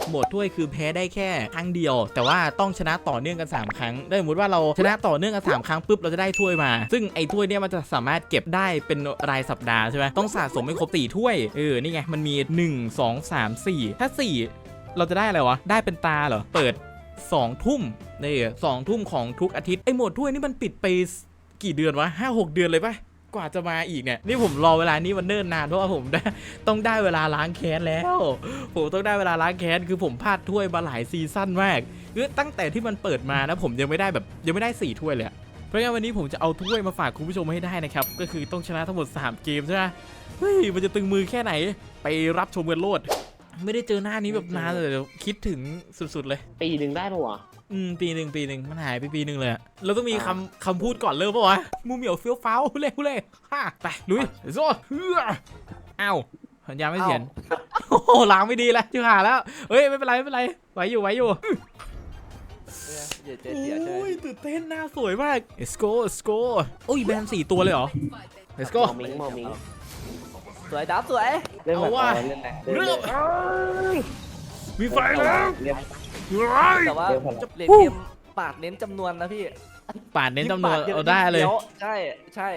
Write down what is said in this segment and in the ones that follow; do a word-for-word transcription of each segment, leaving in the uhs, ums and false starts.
โหมดถ้วยคือแพ้ได้แค่ครั้งเดียวแต่ว่าต้องชนะต่อเนื่องกันสามครั้งได้สมมติว่าเราชนะต่อเนื่องกันสามครั้งปุ๊บเราจะได้ถ้วยมาซึ่งไอ้ถ้วยเนี้ยมันจะสามารถเก็บได้เป็นรายสัปดาห์ใช่ไหมต้องสะสมให้ครบสี่ถ้วยเออนี่ไงมันมีหนึ่ง สอง สาม สี่ถ้าสี่เราจะได้อะไรวะได้เป็นตาเหรอเปิดสองทุ่มนี่สองทุ่มของทุกอาทิตย์ไอ้โหมดถ้วยนี่มันปิดไปกี่เดือนวะห้าหกเดือนเลยปะกว่าจะมาอีกเนี่ยนี่ผมรอเวลานี้มันเนิ่นนานเพราะว่าผมได้ต้องได้เวลาล้างแค้นแล้วผมต้องได้เวลาล้างแค้นคือผมพลาดถ้วยมาหลายซีซั่นมากคือตั้งแต่ที่มันเปิดมานะผมยังไม่ได้แบบยังไม่ได้สี่ถ้วยเลยเพราะงั้นวันนี้ผมจะเอาถ้วยมาฝากคุณผู้ชมให้ได้นะครับก็คือต้องชนะทั้งหมดสามเกมใช่ไหมเฮ้ยมันจะตึงมือแค่ไหนไปรับชมกันโลดไม่ได้เจอหน้านี้แบบนานเลยคิดถึงสุดๆเลยปีหนึ่งได้ปะวะอืมปีหนึ่งปีหนึ่งมันหายไปปีหนึ่งเลยเราต้องมีคำคำพูดก่อนเริ่มปะวะมูเหมียวเฟี้ยวฟ้าวเล่เล่ฮ่าไปลุยโซ่เฮ้ออ้าวสัญญาไม่เสียนโอ้โหล้างไม่ดีแล้วจิ๋วหาแล้วเฮ้ยไม่เป็นไรไม่เป็นไรไหวอยู่ไหวอยู่โอ้ยตื่นเต้นหน้าสวยมาก let's go let's go โอ้ยแบนสี่ตัวเลยเหรอ let's go มอมิงมอมิงสวยดับสวยเริ่มว่าเริ่มมีไฟแล้วแต่ว่าเลนเกมปาดเน้นจำนวนนะพี่ปาดเน้นจำนวนเอาได้เลยใช่ใช่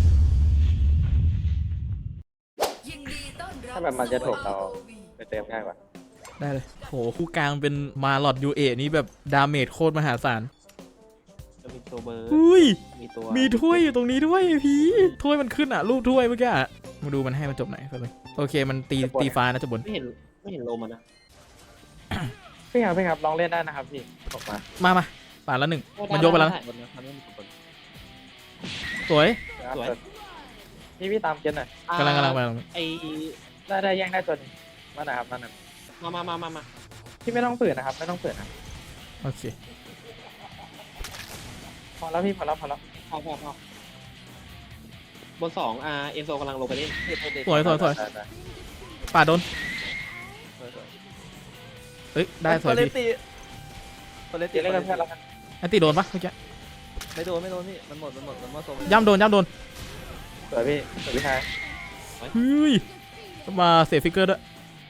ถ้าแบบมันจะถูกเราไปเติมง่ายกว่าได้เลยโหคู่กลางเป็นมาลอดยูเอนี่แบบดาเมจโคตรมหาศาลมีตัวเบอร์อุ้ยมีตัวมีถ้วยอยู่ตรงนี้ด้วยพี่ถ้วยมันขึ้นอ่ะรูปถ้วยเมื่อกี้อ่ะมาดูมันให้มันจบไหนไปเลยโอเคมันตีตีฟ้านะจะบนไม่เห็นไม่เห็นโลมันนะพี่ครับพี่ครับลองเล่นได้นะครับพี่ออกมามามาป่าดแล้วหนึ่งมันโยกไปแล้วสวยสวยพี่พี่ตามเกณฑ์หน่อยกำลังกำลังไปไอได้ได้แย่งได้จนมาหน่อยครับมาหน่อยมามามามามาพี่ไม่ต้องฝืนนะครับไม่ต้องฝืนนะโอเคพอแล้วพี่พอแล้วพอแล้วพอพอพอบนสองอ่าเอ็นโซกำลังลงไปเล่นสวยสวยสวยป่าโดนเฮ้ยได้สวยพี่ตัวเล็กตีเล่นกันเพื่อนแล้วกันอันตีโดนปะเมื่อกี้ไม่โดนไม่โดนพี่มันหมดมันหมดมันหมดโซย่ำโดนย่ำโดนสวยพี่สวยพี่ชายเฮ้ยมาเสียฟิกเกอร์ด้วย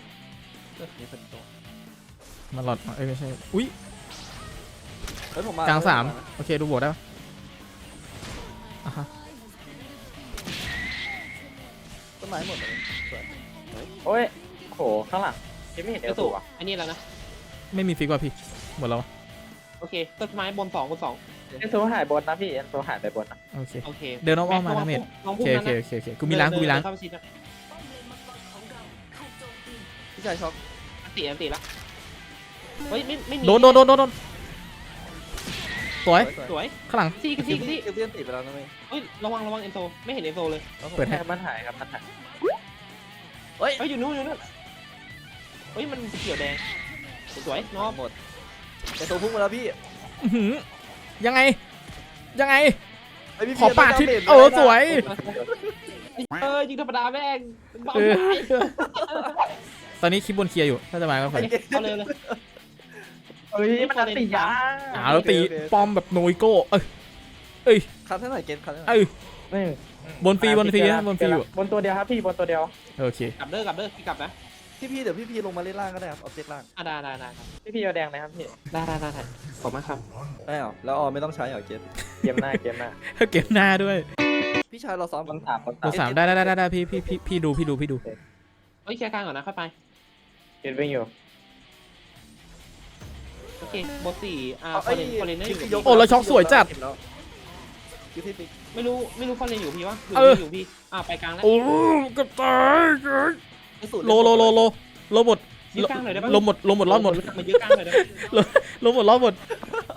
มาหลอดเอ้ยไม่ใช่อุ้ยกลางสามโอเคดูบวกได้ปะอ่ะฮะต้นไม้หมดเลยโอ้ยโหข้างหลังยังไม่เห็นเอลสูอ่ะอันนี้แล้วนะไม่มีฟิกว่ะพี่หมดแล้วโอเคต้นไม้บนสองบนสองเอ็นโซหายบนนะพี่เอ็นโซหายไปบนนะโอเคโอเคเดินอ้อมมานะเมดโอเคโอเคโอเคโอเคกูมีล้างกูมีล้างพี่ชายช็อกตีอันตีละเฮ้ยไม่ไม่มีโดนโดนโดนโดนสวยสวยข้างหลังซีกับซีกับซีเพื่อนติดไปแล้วนะเฮ้ยระวังระวังเอ็นโซไม่เห็นเอ็นโซเลยเปิดให้มันหายครับมันหายเฮ้ยเฮ้ยอยู่นู้นอยู่นู้นเฮ้ยมันเขียวแดงสวยน้องหมดเอ็นโซพุ่งมาแล้วพี่ยังไงยังไงขอปาดทิศเออสวยเออยิงธรรมดาแม่งเบาตอนนี้คลิปบนเคลียร์อยู่ถ้าจะมาก็ไปเอาเลยเลยเฮ้ยมันตียาอ่าแล้วตีป้อมแบบโนยโก้เอ้ยเอ้ยคันเท่าไหร่เกณฑ์คันเอ้ยนี่บนฟรีบนฟรีบนฟรีอยู่บนตัวเดียวครับพี่บนตัวเดียวโอเคกลับเด้อกลับเด้อพี่กลับนะพี่พี่เดี๋ยวพี่พี่ลงมาเล่นล่างก็ได้ครับออบเจกต์ล่างอ่ะได้ได้ได้ครับพี่พี่เอาแดงเลยครับพี่ได้ได้ได้ขอบมากครับได้เหรอแล้วออไม่ต้องใช้เหรอเกณฑ์เกมหน้าเกมหน้าเกมหน้าด้วยพี่ชายเราซ้อมบนสามบนสามได้ได้ได้ได้พี่พี่พี่พี่ดูพี่ดูพี่ดูเฮ้ยแค่กลางก่อนนะค่อยไปเกมวิ่งอยู่โอเคบทสี่อ่าฟอร์เรนฟอร์เรนอยู่โอ้แล้วช็อกสวยจัดไม่รู้ไม่รู้ฟอร์เรนอยู่พี่วะอยู่พี่อ่าไปกลางแล้วโอ้กับตายโลโลโลโลโลหมดยืดกลางหน่อยได้ปะโลหมดโลหมดรอดหมดมายืดกลางหน่อยได้โลหมดรอดหมด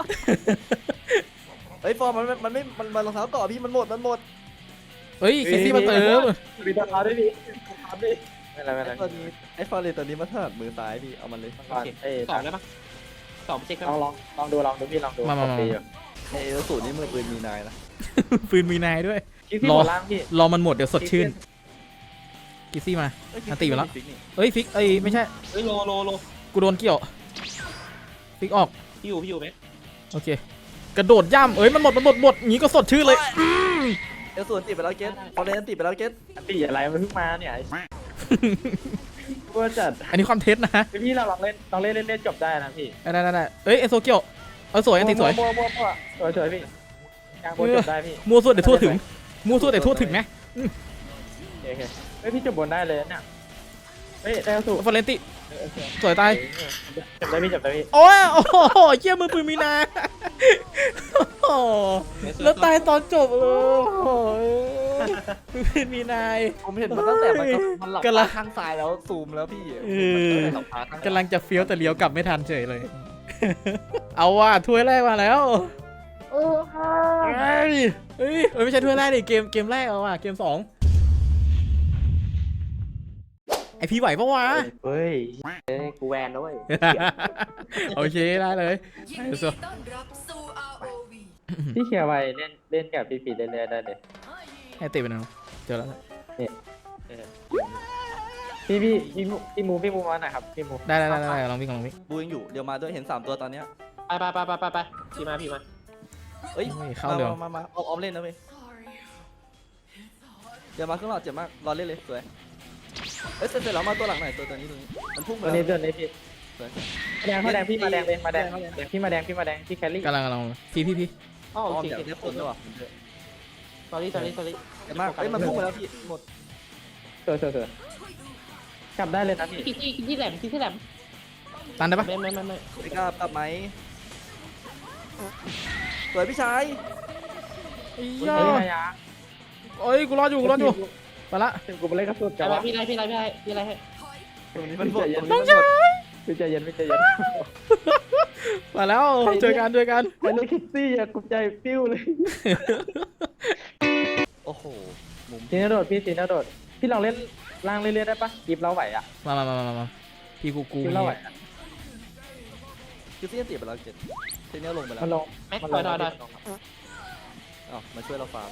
เฮ้ยฟอร์มมันมันไม่มันมันรองเท้าต่อพี่มันหมดมันหมดเฮ้ยเคซี่มาเติมมีรองเท้าด้วยดิไม่ไรไม่ไรไอ้ฟอร์เรนตัวนี้มาถนัดมือซ้ายพี่เอามันเลยสองได้ปะสองเช็คลองลองลองดูลองดูพี่ลองดูมามามาไอ้สูตรนี้มือปืนมีนายนะปืนมีนายด้วยรอรอมันหมดเดี๋ยวสดชื่นกิซี่มาอันตีมาแล้วเฮ้ยฟิกเอ้ยไม่ใช่เฮ้ยโลโลโลกูโดนเกี่ยวฟิกออกพี่อยู่พี่อยู่ไหมโอเคกระโดดย่ำเอ้ยมันหมดมันหมดหมดงี้ก็สดชื่นเลยเอลสูนติดไปแล้วเกตฟอร์เรนติดไปแล้วเกตตีอะไรมันเพิ่งมาเนี่ยฟกลัวจัดอันนี้ความเท็จนะพี่เราลองเล่นลองเล่นเล่นเล่นจบได้นะพี่ได้ได้ได้เอ้ยเอโซเกียวเออสวยอันติสวยมัวมัวมัวสวยสวยพี่กลางบนจบได้พี่มัวสุดเดี๋ยวทั่วถึงมัวสุดเดี๋ยวทั่วถึงนะโอเคเฮ้ยพี่จบบนได้เลยเนี่ยเฮ้ยได้สู้ฟอเรนติสวยตายจบได้พี่จบได้พี่โอ้ยโอ้โหเยี่ยมือปืนมีนาโอ้โหแล้วตายตอนจบเลยโอ้ยมือปืนมีนายผมเห็นมันตั้งแต่มันก็มันหลับกำลัตาง ข้างซ้ายแล้วซูมแล้วพี่เออมันหลับตาข้างกำลังจะเฟี้ยวแต่เลี้ยวกลับไม่ทันเฉยเลย เอาว่ะถ้วยแรกมาแล้วเฮ้ยเฮ้ยเอ้ยไม่ใช่ถ้วยแรกดิเกมเกมแรกเอาว่ะเกมสองไอพี่ไหวปะวะเฮ้ยเอ้ยกูแวนแล้วเว้ยโอเคได้เลยยินดีต้อนรับสู่ อาร์ โอ วีพี่เคลียร์ไว้เล่นเล่นกับพี่ปีเรื่อยๆได้เลยให้ติดไปหน่อยเจอแล้วพี่พี่พี่มูพี่มูพี่มูมาหน่อยครับพี่มูได้ได้ได้ได้ลองวิ่งลองวิ่งบูยังอยู่เดี๋ยวมาด้วยเห็นสามตัวตอนเนี้ยไปไปไปไปไปไปพี่มาพี่มาเอ้ยเฮ้ยเข้าเร็วมามามาออมออมเล่นนะเว้ยเดี๋ยวมาข้างหลังเจ็บมากรอเล่นเลยสวยเอ้ยเสร็จเสร็จแล้วมาตัวหลังหน่อยตัวตัวนี้ตัวนี้มันพุ่งตัวมานี้แล้วตัวนี้พี่สวยแดงเขาแดงพี่มาแดงเลยมาแดงแดงพี่มาแดงพี่มาแดงพี่แคลรี่กำลังกำลังพี่พี่พี่อ๋ออโออมเคเดี๋ยวโอเคเดี๋ยวผลด้วยว่ะสอรี่สอรี่สอรี่เจ็บมากเอ้ยมันพุ่งมาแล้วพี่หมดสวยสวยสวยกลับได้เลยนะพี่คิดที่คิดที่แหลมคิดที่แหลมตันได้ปะไม่ไม่ไม่ไม่ไม่กล้ากลับไหมสวยพี่ชายเฮ้ยเฮ้ยมายาเอ้ยกูรอดอยู่กูรอดอยู่ไปละถึงกูไปเล่นกระสุนไปกันไปวะพี่ไรพี่ไรพี่ไรพี่ไรให้ตรงนี้มันหมดตรงนี้ต้องมันหใช้มดพี่ใจเย็นพี่ใจเย็นมาแล้วเจอกันเจอกันไปเล่นคิกซี่อะกุใจปิ้วเลยโอ้โหมุมซีนาโดดพี่ซีนาโดดพี่ลองเล่นล่างเรื่อยๆได้ปะกีบเราไหวอะมามามามามาพี่กูกูกีบเราไหวอะคือเสี้ยนตีไปแล้วเจ็ดเทนเนียลลงไปแล้วมันลงแม็กมันถลอยงถอยถอยอ้าวมาช่วยเราฟาร์ม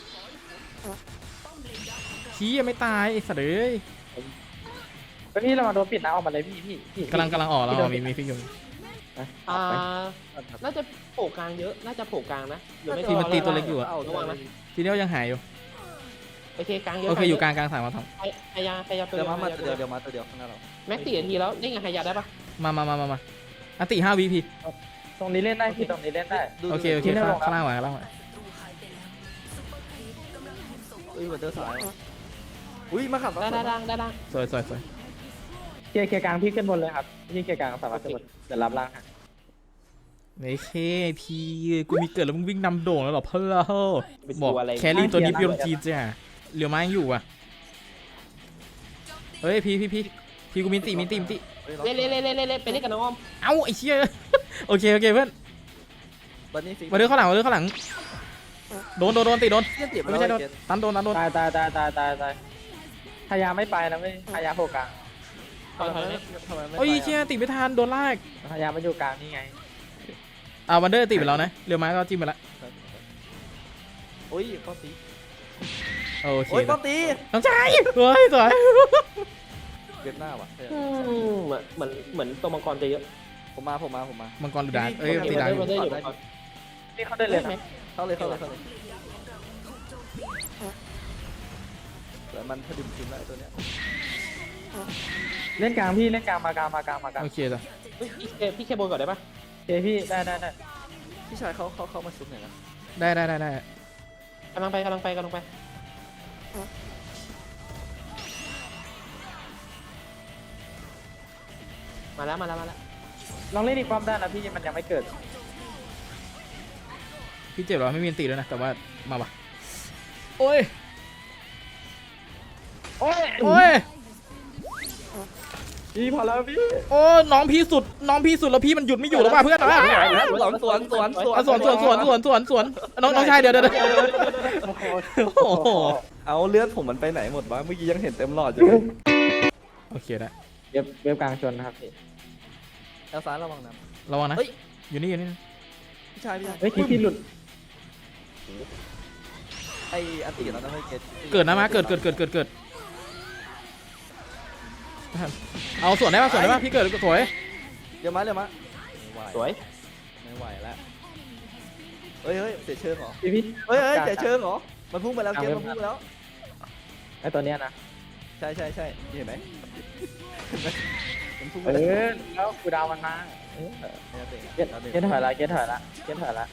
ชี้ยังไม่ตายไอ้สัตว์เอ้ยไปพี่เรามาโดนปิดนะออกมาเลยพี่พี่พี่กำลังกำลังออกแล้วมีมีฟิกอยู่อ่าน่าจะโผล่กลางเยอะน่าจะโผล่กลางนะหรือไม่ที่มันตีตัวเล็กอยู่อะเอาระวังนะทีเดียวยังหายอยู่โอเคกลางเยอะโอเคอยู่กลางกลางสามมาทพยายามพยายามตัวเดี๋ยวเดียวมามาตัวเดียวเดี๋ยวมาตัวเดียวข้างหน้าเราแม็กสี่นาทีแล้วนี่ไงพยายามได้ปะำมามามามามาอันติห้าวิพี่ตรงนี้เล่นได้พี่ตรงนี้เล่นได้ดูโอเคโอเคข้างข้างล่างมาข้างล่างมาอุ้ยวันเดอร์สายอุ้ยมาขับได้ได้ได้ได้ได้สวยสวยสวยเคลียร์เคลียร์กลางพี่ขึ้นบนเลยครับพี่เคลียร์กลางสามารถขึ้นบนเดี๋ยวรับล่างฮะไม่เคพี่กูมีเกิดแล้วมึงวิ่งนำโด่งแล้วหรอเพื่อบอกอะไรแครี่ตัวนี้พี่ลมจีจ้ะเหลือไม้ยังอยู่อ่ะเฮ้ยพี่พี่พี่พี่กูมีตีมีตีมีตีเล่นเล่นเล่นเล่นเล่นไปเล่นกับน้องอ้อมเอ้าไอ้เชี่ยโอเคโอเคเพื่อนวันนี้ฟิกมาเดินข้างหลังมาเดินข้างหลังโดนโดนโดนตีโดนเสี้ยนตีไปไม่แล้วใช่โดนเจ็ดตันโดนตันโดนตายตายตายตายตายตายพยายามไม่ไปนะไม่พยายามโผล่กลางถอยถอยไหมทำไมไม่โอ้ยเชี่ยตีไม่ทันโดนลากพยายามมาอยู่กลางนี่ไงอ่าวันเดอร์ตีไปแล้วนะเหลือไม้ก็จิ้มไปละโอ้ยป้อมตีโอเคโอ้ยป้อมตีน้องชายเฮ้ยสวยเวียดหน้าว่ะอืมเหมือนเหมือนเหมือนตัวมังกรจะเยอะผมมาผมมาผมมามังกรดูดาร์กเอ้ยโอเคตีดาร์กอยู่มันได้อยู่มังกรนี่เขาได้เลยนะเข้าเลยเข้าเลยเข้าเลยแต่มันพดุงทีมแล้วตัวเนี้ยเล่นกลางพี่เล่นกลางมากลางมากลางมากลางโอเคจ้ะเฮ้ยพี่เคพี่เคบนก่อนได้ปะโอเคพี่ได้ได้ได้พี่ชายเขาเขาเข้ามาซุปหน่อยนะได้ได้ได้ได้กำลังไปกำลังไปกำลังไปมาแล้วมาแล้วมาแล้วลองเล่นอีกความได้นะพี่มันยังไม่เกิดพี่เจ็บเหรอไม่มีอันตีด้วยนะแต่ว่ามาปะโอ้ยโอ้ยโอ้ยพี่พอแล้วพี่โอ้น้องพี่สุดน้องพี่สุดแล้วพี่มันหยุดไม่อยู่แล้วว่ะเพื่อนอ่ะสวนสวนสวนสวนอ่ะสวนสวนสวนสวนสวนสวนน้องน้องชายเดี๋ยวเดี๋ยวเดี๋ยวโอ้โหเอาเลือดผมมันไปไหนหมดวะเมื่อกี้ยังเห็นเต็มหลอดอยู่โอเคได้เว็บเว็บกลางชนนะครับพี่แล้วซ้ายระวังนะระวังนะเฮ้ยอยู่นี่อยู่นี่พี่ชายพี่ชายเฮ้ยคิดที่หลุดไออันตีแล้วนะเฮ้ยเกตเกิดนะมาเกิดเกิดเกิดเกิดเกิดเอาสวนได้ป่ะสวนได้ป่ะพี่เกิดสวยเดี๋ยวมาเดี๋ยวมาสวยไม่ไหวแล้วเฮ้ยเฮ้ยเสียเชิงเหรอพี่พี่เฮ้ยเฮ้ยเสียเชิงเหรอมันพุ่งไปแล้วเกมมันพุ่งไปแล้วไอตัวเนี้ยนะใช่ใช่ใช่เห็นไหมมันพุ่งเอไปเลยอแล้วกูดาวมันมาเออเนี่ยเตะเก็ตเก็ตถอยละเก็ตถอยละเก็ตถอยละ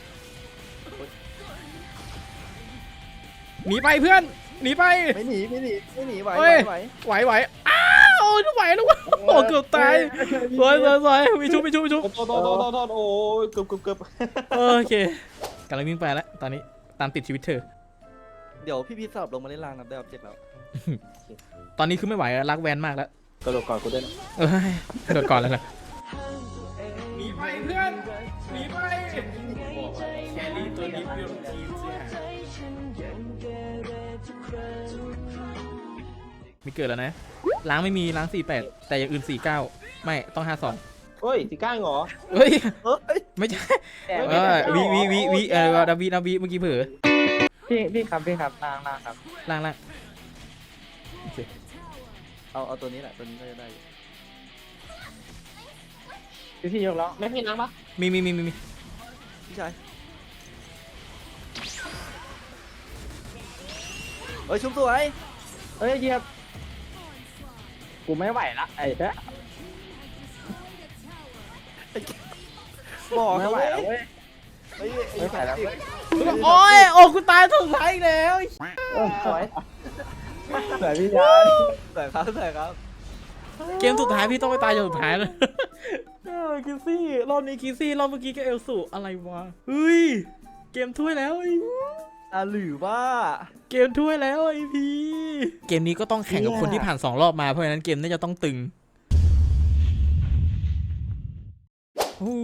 หนีไปเพื่อนหนีไปไม่หนีไม่หนีไม่หนีไหวเฮ้ยไหวไหวไหวอ้าวไหวแล้ววะโอ้เกือบตายสวยสวยสวยมีชุบมีชุบมีชุบโทษโทษโทษโทษโทษโอ้ยเกือบเกือบเกือบโอเคกำลังวิ่งไปแล้วตอนนี้ตามติดชีวิตเธอเดี๋ยวพี่พีทสลับลงมาเล่นล่างนับได้ออบเจกต์แล้วตอนนี้คือไม่ไหวแล้วรักแวนมากแล้วกระโดดก่อนกูด้วยนะเอ้ยกระโดดก่อนแล้วนะหนีไปเพื่อนหนีไปแครี่ตัวนี้เปรี้ยวทีมมีเกิดแล้วนะล้างไม่มีล้างสี่แปดแต่อย่างอื่นสี่เก้าไม่ต้องห้าสองเฮ้ยสีก้างเหรอเฮ้ยเฮ้ยไม่ใช่แต่เออวีวีวีวีเออดาวีดาวีเมื่อกี้เผลอพี่พี่ครับพี่ครับล่างล่างครับล่างล่างโอเคเอาเอาตัวนี้แหละตัวนี้ก็จะได้อยู่พี่พี่ยกแล้วแม่พี่น้ำปะมีมีมีมีมีพี่ชายเฮ้ยชุบสวยเอ้ยเหยียบกูไม่ไหวละไอ้เด้อบอกไม่เขาไหวเว้ยแล้วเว้ยเฮ้ยไม่ไหวแล้วเว้ยโอ้ยโอ้กูตายสุดท้ายอีกแล้วเออสวยสวยพี่ยาสวยครับสวยครับเกมสุดท้ายพี่ต้องไปตายอย่างสุดท้ายเลยเออคิซี่รอบนี้คิซี่รอบเมื่อกี้ก็เอลสูอะไรวะเฮ้ยเกมถ้วยแล้วไอ้อ่ะหรือว่าเกมถ้วยแล้วไอพีเกมนี้ก็ต้องแข่งกับคนที่ผ่านสองรอบมาเพราะฉะนั้นเกมน่าจะต้องตึงอู้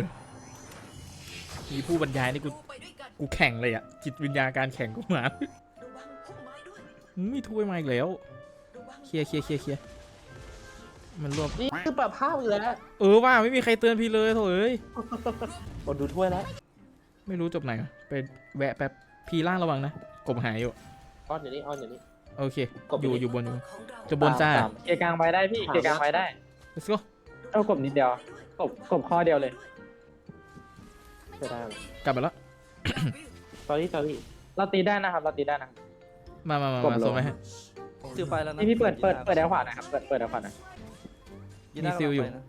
มีผู้บรรยายนี่กูไปด้วยกันกูแข่งเลยอะจิตวิญญาณการแข่งกูมาระวังพุ่มไม้ด้วยอืมมีถ้วยมาอีกแล้วระวังเคลียร์เคลียร์เคลียร์เคลียร์มันรวมนี่คือปรับภาพอยู่แล้วเออว่าไม่มีใครเตือนพี่เลยโถเอ้ยกดดูถ้วยแล้วไม่รู้จบไหนวะไปแวะแป๊บพี่ล่างระวังนะกบหายอยู่ออนอยู่นี่ออนอยู่นี่โอเคกบออยู่ยู่นี่อยู่บนอยู่ของเราจะบนจ้าสามเกยร์กลางไปได้พี่เกยร์กลางไปได้ let's go เอากบนิดเดียวกบกบข้อเดียวเลยไม่ได้กลับไปแล้วตอนนี้ตอนนี้เราตีได้นะครับเราตีได้นะมามามากบมาลงส่งไปให้ซิลไปแล้วนะพี่พี่เปิดเปิดเปิดแอลขวาหนะครับเปิดเปิดแอลขวาหนะยีน่ามีซิลอยู่ระวังไปนะ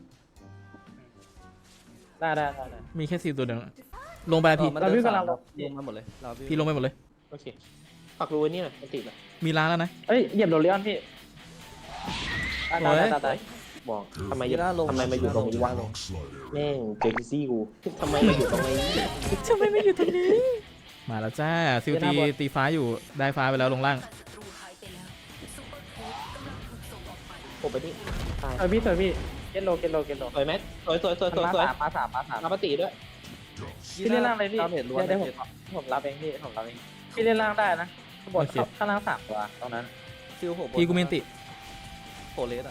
ได้ได้ได้ได้มีแค่ซิลตัวเดียวลงไปแล้วพี่ออมันเราดินพี่กำลังสามลงมาหมดเลยเราพี่ลงไปหมดเลยโอเคปักรูไว้นี่หน่อยมันติดอ่ะมีล้างแล้วนะเอ้ยเหยียบโดเรียนพี่ตายตายตายตายตายบอกทำไมยีน่าลงทำไมมาอยู่ตรงนี้วะแม่งเจอคิซี่กูทำไมมาอยู่ตรงนี้ทำไมไม่อยู่ตรงนี้ มาแล้วจ้าซิลตีตีฟ้าอยู่ได้ฟ้าไปแล้วลงล่างศัตรูหายไปแล้วซุปเปอร์โค้ดกำลังถูกส่งออกไปผมไปนี่ตายเออพี่สวยพี่เกตโลเกตโลเกตโลสวยไหมสวยสวยสวยสวยมาสวยสามมาสามมาสามน้ำปฏิด้วยพี่เล่นล่างเลยพี่ดาเมจล้วนเดี๋ยวนะผมเจ็ดผมรับเองพี่ผมรับเองพี่เล่นล่างได้นะข้างบนข้างล่างสามตัวตรงนั้นซิลโผล่บนพี่กูเมนติโผล่เลสอ่ะ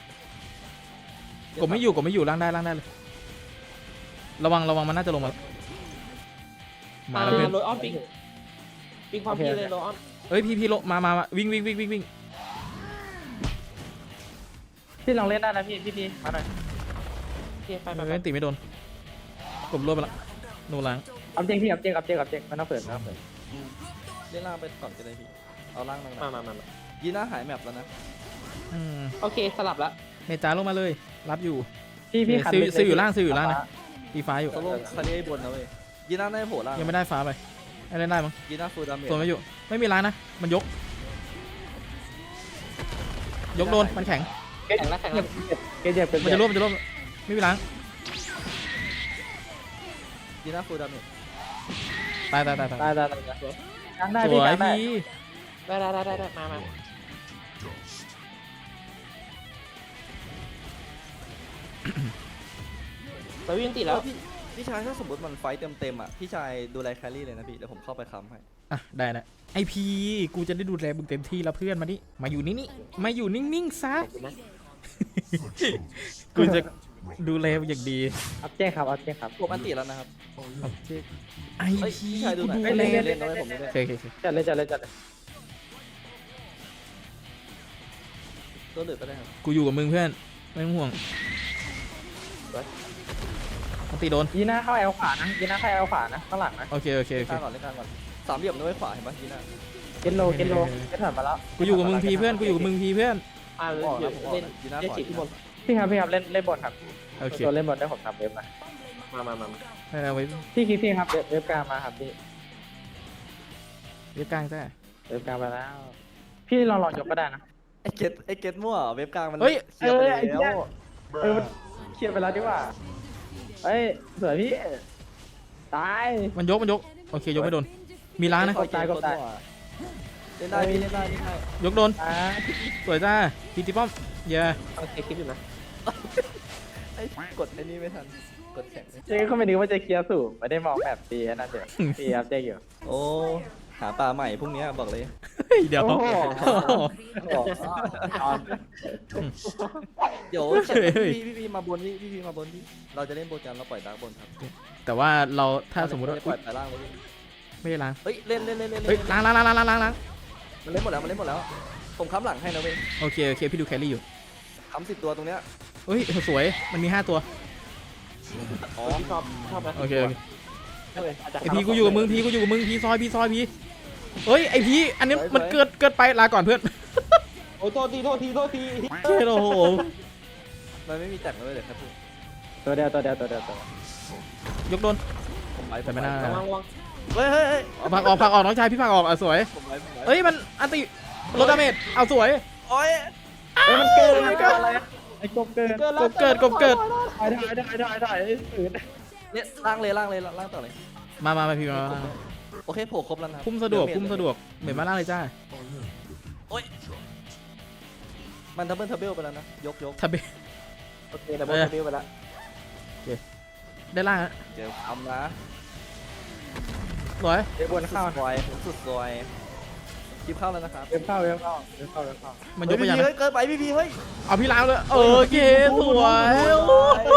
กดไม่อยู่กดไม่อยู่ล่างได้ล่างได้เลย ระวังระวังมันน่าจะลงมามามาแล้วเพื่อนโรยออนปิงปิงความพี่เลยโรยออนเอ้ยพี่พี่ลงมามามาวิ่งวิ่งวิ่งวิ่งวิ่งพี่ลองเล่นได้นะพี่พี่พี่มาหน่อยโอเคไปไปไม่ไปไม่ติไม่โดนกดรวบไปละโนล้างอัพเจกพี่อัพเจกอัพเจกอัพเจกไม่ต้องเปิดไม่ต้องเปิดเล่นล่างไปก่อนก็ได้พี่เอาล่างลงมามามามายีน่าหายแมปแล้วนะอืมโอเคสลับละเมจ้าลงมาเลย รับอยู่พี่พี่ซิลซิลอยู่ล่างซิลอยู่ล่างนะ ตีฟ้าอยู่โซโล่คาเรียบนนะเว้ยยีน่าได้โผล่ล่างยังไม่ได้ฟ้าไปให้เล่นได้มั้งยีน่าฟูลดาเมจตัวไม่อยู่ไม่มีล้างนะมันยก ยกโดนมันแข็งแข่งละแข่งละเกจเจ็บเป็นมันจะรวบมันจะรวบไม่มีล้างยีน่าฟูลดาเมจตายตายตายตายได้ได้ได้กลางได้สพี่วกลาย งได้พี่ได้ได้ได้ได้ได้มามาสวินติดแล้วพี่พี่ชายถ้าสมมติมันไฟเต็มเต็มๆอ่ะพี่ชายดูแลแครี่เลยนะพี่เดี๋ยวผมเข้าไปค้ำให้อ่ะได้นะไอพีกูจะได้ดูแลมึงเต็มที่แล้วเพื่อนมานี่มาอยู่นี่นี่มาอยู่นิ่งๆซะขอบคุณนะกูจะดูแลมึงอย่างดีอัพเจกครับอัพเจกครับผมอันติแล้วนะครับไอเฮ้ยพีพี่ชายดูกูหน่อยดูเอ้ยแลเล่นเล่นเล่นด้วยผมด้วยโอเคโอเคโอเคจัดเลยจัดเลยจัดเลยตัวเหลือก็ได้ครับกูอยู่กับมึงเพื่อนไม่ต้องห่วงมันตีโดนยีน่าเข้าแอลขวานะยีน่าเข้าแอลขวานะข้างหลังนะโอเคโอเคโอเล่นเคกลางก่อนเล่นกลางก่อนสามเหลี่ยมด้วยขวาเห็นปะยีน่าเกตโลเกตโลเกตถอยมาแล้วกูอยู่กับมึงพีเพื่อนกูอยู่กับมึงพีเพื่อนอ่าผมออกเดี๋ยวนะผมออกเล่นนะอยู่หน้าเล่นพอร์ตฉีดที่บนพี่ครับพี่ครับเล่นเล่นบอลครับโอเคตัวเล่นบอลได้ผมทำเว็บมามามามาได้แล้วไว้พี่คิดพี่ครับเว็บเว็บกลางมาครับพี่เรียบกลางจ้าเว็บกลางมาแล้ว พี่ลองลองยกก็ได้นะไอ้เกตไอ้เกตมั่วเว็บกลางมันเฮ้ยเคลียร์ไปเออไอ้เหี้แล้ยวเออมันเคลียร์ไปแล้วดีกว่าเฮ้ยสวยพี่ตายมันยกมันยกโอเคยกไม่โดนมีล้างนะกดตายกดตายเล่นได้พี่เล่นได้เล่นได้ยกโดนตายสวยจ้าพีตีป้อมเย้เอาเช็คคลิปอยู่นะไอ้กดไอ้นี่ไม่ทันกดแข็งเจ๊ก็ไม่นึกว่าจะเคลียร์สูงไม่ได้มองแบบตีอันนั่นเดี๋ยวตีครับเจ๊อยู่โอ้หาปลาใหม่พรุ่งนี้บอกเลยเฮ้ยเดี๋ยวโอ้โหโอ้โหเดี๋ยวเฮ้ยเฮ้ยพี่พี่พี่มาบนพี่พี่พี่มาบนพี่เราจะเล่นโบกันเราปล่อยดาร์กบนครับแต่ว่าเราถ้าสมมติว่าปล่อยไปล่างไว้พี่ไม่ได้ล้างเฮ้ยเล่นเล่นเล่นเล่นเฮ้ยล้างล้างล้างล้างล้างล้างล้างมันเล่นหมดแล้วมันเล่นหมดแล้วผมค้ำหลังให้นะเว้ยโอเคโอเคพี่ดูแครี่อยู่ค้ำสิบตัวตรงเนี้ยเฮ้ยสวยมันมีห้าตัวอ๋อพี่ชอบชอบไหมโอเคโอเคเลยอาจจะไอพีกูอยู่กับมึงพีกูอยู่กับมึงพีซอยพีซอยพีเฮ้ยไอพีอันนี้มันเกิดเกิดไปลาก่อนเพื่อนโอ้โทษทีโทษทีโทษทีเชี่ยโอ้โหมันไม่มีแตกเลยเดี๋ยวครับพี่ตัวเดียวตัวเดียวตัวเดียวตัวเดียวยกโดนผมไปแต่ไม่น่าระวังระวังเฮ้ยเฮ้ยเฮ้ยเอาผักออกผักออกน้องชายพี่ผักออกอ่ะสวยผมไปผมไปเฮ้ยมันอันติลดดาเมจเอาสวยโอ้ยเฮ้ยมันเกินมันเกินอะไรไอ้กบเกินเกินกแล้วบเกิดกบเกิดถ่ายถ่ายถ่ายถ่ายถ่ายไอ้สื่อเนี่ยล่างเลยล่างเลยล่างต่อเลยมามามาพี่มามามาโอเคโผล่ครบแล้วนะพุ่มสะดวกพุ่มสะดวกเหม็นมาล่างเลยจ้ามันดับเบิลทับเบิลไปแล้วนะยกยกทับเบโอเคแต่บอลจะบิ้วไปแล้วได้ล่างฮะเจอทำนะสวยเว็บบนเข้าซอยสุดซอยคลิปเข้าแล้วนะครับเว็บเข้าเว็บเข้าเว็บเข้าเว็บเข้ามันยกไปยังเฮ้ยเกินไปพี่พีเฮ้ยเอาพี่ล้างเลยโอเคสวยโอ้โห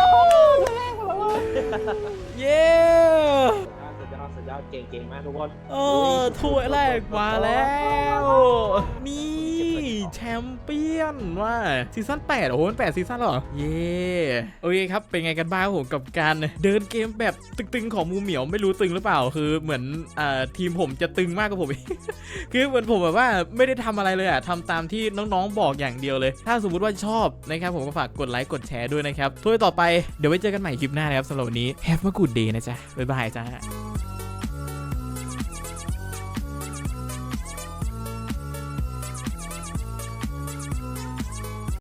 เย้สุดยอดสุดยอดเก่งเก่งมากทุกคนเออถ้วยแรกมาแล้วนี่แชมเปี้ยนว่าซีซั่นแปดโอ้โหมันแปดซีซั่นเหรอเย้โอเคครับเป็นไงกันบ้างครับผมกับการเดินเกมแบบตึงๆของมูเหมียวไม่รู้ตึงหรือเปล่าคือเหมือนอ่าทีมผมจะตึงมากกว่าผมอีก คือเหมือนผมแบบว่าไม่ได้ทำอะไรเลยอะทำตามที่น้องๆบอกอย่างเดียวเลย ถ้าสมมุติว่าชอบนะครับผมก็ฝากกดไลค์กดแชร์ด้วยนะครับถ้วยต่อไปเดี๋ยวไว้เจอกันใหม่คลิปหน้านะครับสำหรับวันนี้ Have a good day นะจ๊ะบ๊ายบายจ้า